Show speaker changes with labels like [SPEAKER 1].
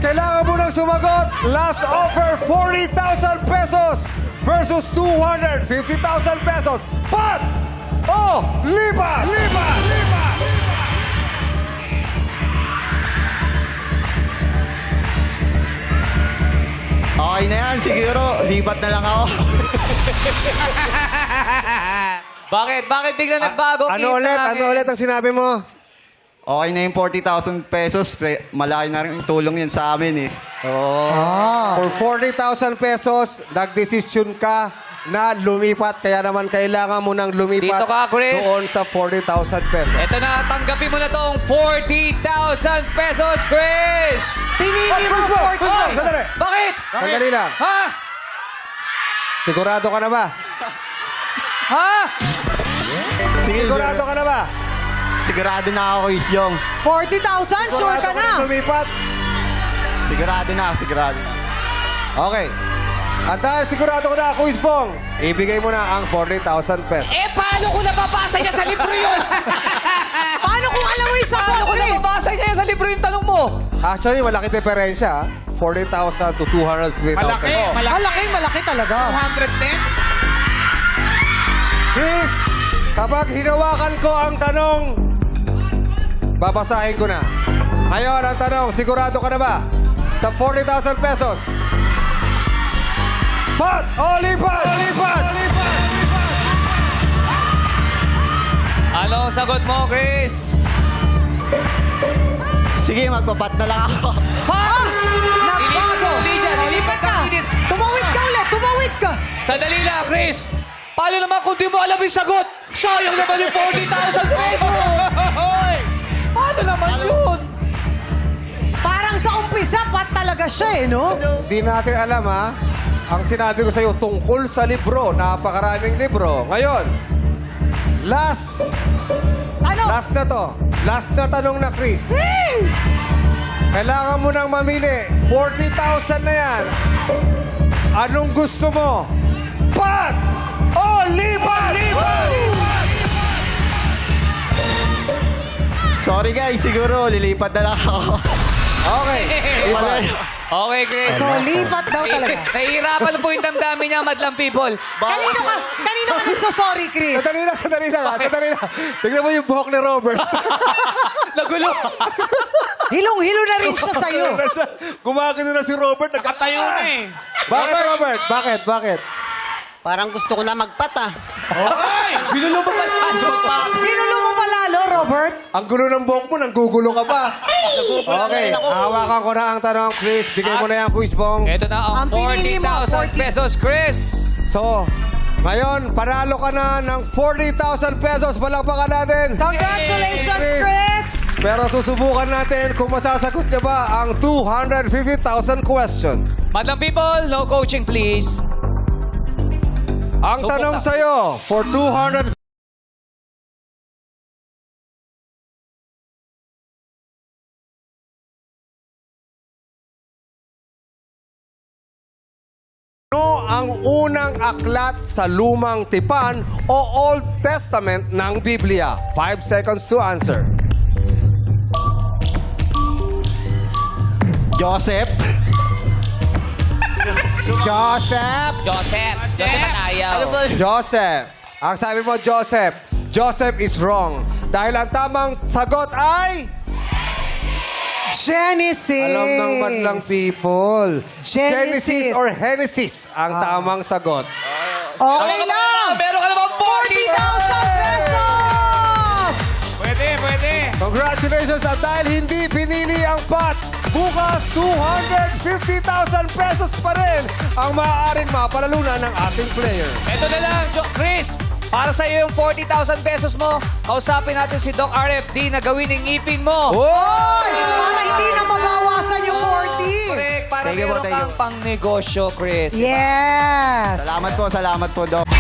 [SPEAKER 1] kailangan mo nang sumagot. Last offer, 40,000 pesos versus 250,000 pesos. Pat o lipat?
[SPEAKER 2] Okay na yan, siguro. Lipat na lang ako.
[SPEAKER 3] Bakit? Bakit bigla nagbago?
[SPEAKER 1] Ano ulit ang sinabi mo?
[SPEAKER 2] Okay na yung 40,000 pesos. Malaki na rin yung tulong yan sa amin eh.
[SPEAKER 1] For 40,000 pesos, nagdesisyon ka na lumipat. Kaya naman kailangan mo nang lumipat
[SPEAKER 3] Dito ka, Chris.
[SPEAKER 1] doon sa 40,000 pesos.
[SPEAKER 3] Ito na, tanggapin mo na tong 40,000 pesos, Chris!
[SPEAKER 4] Pinili mo
[SPEAKER 1] Chris Mo,
[SPEAKER 4] 40.
[SPEAKER 1] sandali.
[SPEAKER 3] Bakit?
[SPEAKER 1] Sandali lang.
[SPEAKER 3] Ha?
[SPEAKER 1] Sigurado ka na ba?
[SPEAKER 3] Ha?
[SPEAKER 2] Sige,
[SPEAKER 1] Sigurado ka na ba?
[SPEAKER 2] sigurado na ako, Kuis Yong.
[SPEAKER 4] 40,000? Sure ka na?
[SPEAKER 1] Lumipat?
[SPEAKER 2] Sigurado na.
[SPEAKER 1] Okay. At dahil sigurado ko na, Kuis Pong, ibigay mo na ang 40,000 pesos.
[SPEAKER 3] Eh, paano ko nababasa niya sa libro yun?
[SPEAKER 4] Paano kung alam mo yung sagot,
[SPEAKER 3] Paano ko
[SPEAKER 4] Chris?
[SPEAKER 3] nababasa niya sa libro yung tanong mo?
[SPEAKER 1] Actually, malaki diferensya. 40,000 to 250,000.
[SPEAKER 4] Malaki talaga.
[SPEAKER 3] 210?
[SPEAKER 1] Chris, kapag hinawakan ko ang tanong, babasahin ko na. Ngayon, ang tanong, sigurado ka na ba? Sa 40,000 pesos. Pat o lipat?
[SPEAKER 3] Ano ang sagot mo, Chris?
[SPEAKER 2] Sige, magpapat na lang ako.
[SPEAKER 3] Ha?
[SPEAKER 4] Nagbago.
[SPEAKER 3] Hindi dyan,
[SPEAKER 4] O,
[SPEAKER 3] ilipat ka.
[SPEAKER 4] Tumawid ka ulit, tumawid ka.
[SPEAKER 3] Sandali lang, Chris. Paano naman kung di mo alam yung sagot? Sayang naman yung 40,000 pesos. Paano naman yun?
[SPEAKER 4] Parang sa umpisa, pat talaga siya eh, no?
[SPEAKER 1] Di natin alam, ha? Ang sinabi ko sa iyo tungkol sa libro, napakaraming libro. Ngayon, last na to. Last na tanong na, Chris. Kailangan mo nang mamili. 40,000 na yan. Anong gusto mo? Pat o lipat?
[SPEAKER 2] Sorry guys, siguro lilipat na lang ako.
[SPEAKER 1] Okay. Lipat.
[SPEAKER 3] Okay, Chris.
[SPEAKER 4] So, lipat daw talaga.
[SPEAKER 3] Nahihirapan po yung damdamin niya, madlang people.
[SPEAKER 4] Kanino ka nagsosorry, Chris?
[SPEAKER 1] Sandali lang. Tignan mo yung buhok ni Robert.
[SPEAKER 3] Nagulo.
[SPEAKER 4] Hilong-hilo na rin siya sa'yo.
[SPEAKER 1] Gumagano na si Robert.
[SPEAKER 3] Nakatayo na eh.
[SPEAKER 1] Bakit, Robert? Bakit?
[SPEAKER 2] Parang gusto ko na magpat ah.
[SPEAKER 3] Binulo mo ba tayo?
[SPEAKER 4] Pinulo mo pa lalo, Robert?
[SPEAKER 1] Ang gulo ng buhok mo, nanggugulo ka pa. Okay, hawakan ko na ang tanong, Chris. Bigay mo na yan, Kuis Bong.
[SPEAKER 3] Ito na ang
[SPEAKER 4] Ang pinili mo,
[SPEAKER 3] 40,000
[SPEAKER 4] 40.
[SPEAKER 3] pesos, Chris.
[SPEAKER 1] So, ngayon, panalo ka na ng 40,000 pesos. Palakpakan natin.
[SPEAKER 4] Congratulations, Chris!
[SPEAKER 1] Pero susubukan natin kung masasagot niya ba ang 250,000 question.
[SPEAKER 3] Madlang people, no coaching please.
[SPEAKER 1] Ang
[SPEAKER 3] Subok
[SPEAKER 1] tanong
[SPEAKER 3] na.
[SPEAKER 1] sa'yo, for 200... Ano ang unang aklat sa Lumang Tipan o Old Testament ng Biblia? 5 seconds to answer.
[SPEAKER 2] Joseph.
[SPEAKER 1] Joseph!
[SPEAKER 3] Joseph at ayaw.
[SPEAKER 2] Ano ba?
[SPEAKER 1] Joseph. Ang sabi mo, Joseph. Joseph is wrong. Dahil ang tamang sagot ay...
[SPEAKER 4] Genesis!
[SPEAKER 1] Alam ng madlang people.
[SPEAKER 4] Genesis.
[SPEAKER 1] or Genesis ang tamang sagot.
[SPEAKER 4] Okay lang!
[SPEAKER 3] Meron ka naman
[SPEAKER 4] 40,000 pesos!
[SPEAKER 3] Pwede.
[SPEAKER 1] Congratulations at dahil hindi pinili ang pot, bukas 250,000 pesos pa rin ang maaaring mapalalunan ng ating player.
[SPEAKER 3] Ito na lang, Chris. Para sa iyo yung 40,000 pesos mo, kausapin natin si Doc RFD na gawin ng ngipin mo.
[SPEAKER 1] Oy!
[SPEAKER 4] Para hindi na mabawasan yung 40.
[SPEAKER 3] Correct, para
[SPEAKER 2] Thank you po,
[SPEAKER 3] meron
[SPEAKER 2] thank you.
[SPEAKER 3] kang pang negosyo, Chris.
[SPEAKER 4] Yes!
[SPEAKER 2] Salamat po, Doc.